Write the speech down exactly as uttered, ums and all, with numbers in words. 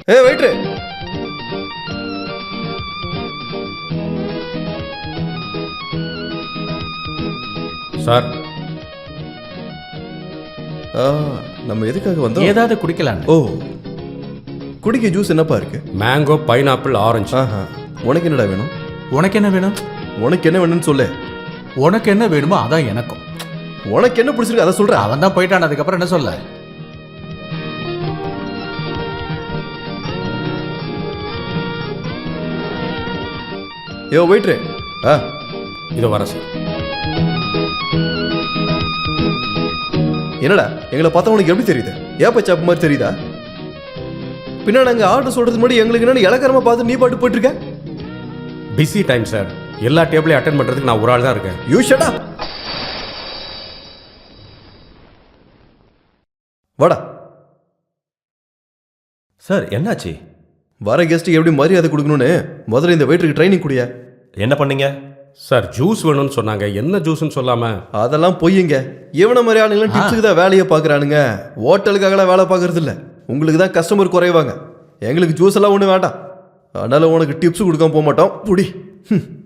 ஏ வெயிட்ரு, sir ஆ, நம்ம எதுக்காக வந்தோம்? ஏதாவது குடிக்கலாம். ஓ, குடிக்க ஜூஸ் என்னப்பா இருக்கு? Mango, pineapple, orange. ஆஹா, உனக்கு என்னடா வேணும்? உனக்கு என்ன வேணும்? உனக்கு என்ன வேணும்னு சொல்லு. உனக்கு என்ன வேணுமோ அதான் எனக்கும். உனக்கு என்ன பிடிச்சிருக்கு அதை சொல்ற. அவன் தான் போயிட்டான், அதுக்கப்புறம் என்ன சொல்ல? யோ வெயிட்ரு, ஆ இதோ வரேன் சார். என்னடா எங்களை பார்த்தா உனக்கு எப்படி தெரியுது? ஏப்பா சாப்பு மாதிரி தெரியுதா? பின்னா நாங்கள் ஆர்டர் சொல்றது முன்னாடி எங்களுக்கு என்னன்னு இலக்கரமா பார்த்து நீ பாட்டு போயிட்டு இருக்க. பிஸி டைம் சார், எல்லா டேபிளையும் அட்டென்ட் பண்ணுறதுக்கு நான் ஒரு ஆள் தான் இருக்கேன். You shut up. வாடா. சார் என்னாச்சு? வர கெஸ்ட்டுக்கு எப்படி மரியாதை கொடுக்கணும்னு முதல்ல இந்த வெயிட்டருக்கு ட்ரைனிங் கொடுங்க. என்ன பண்ணீங்க? சார் ஜூஸ் வேணும்னு சொன்னாங்க, என்ன ஜூஸ்ன்னு சொல்லாம. அதெல்லாம் பொய்யுங்க. இவன மாதிரி ஆளுங்களாம் டிப்ஸுக்கு தான் வேலையை பார்க்குறானுங்க, ஹோட்டலுக்காகலாம் வேலை பார்க்கறது இல்லை. உங்களுக்கு தான் கஸ்டமர் குறைவாங்க, எங்களுக்கு ஜூஸ் எல்லாம் ஒன்றும் வேண்டாம். அதனால உனக்கு டிப்ஸ் கொடுக்காம போக மாட்டோம். புடி.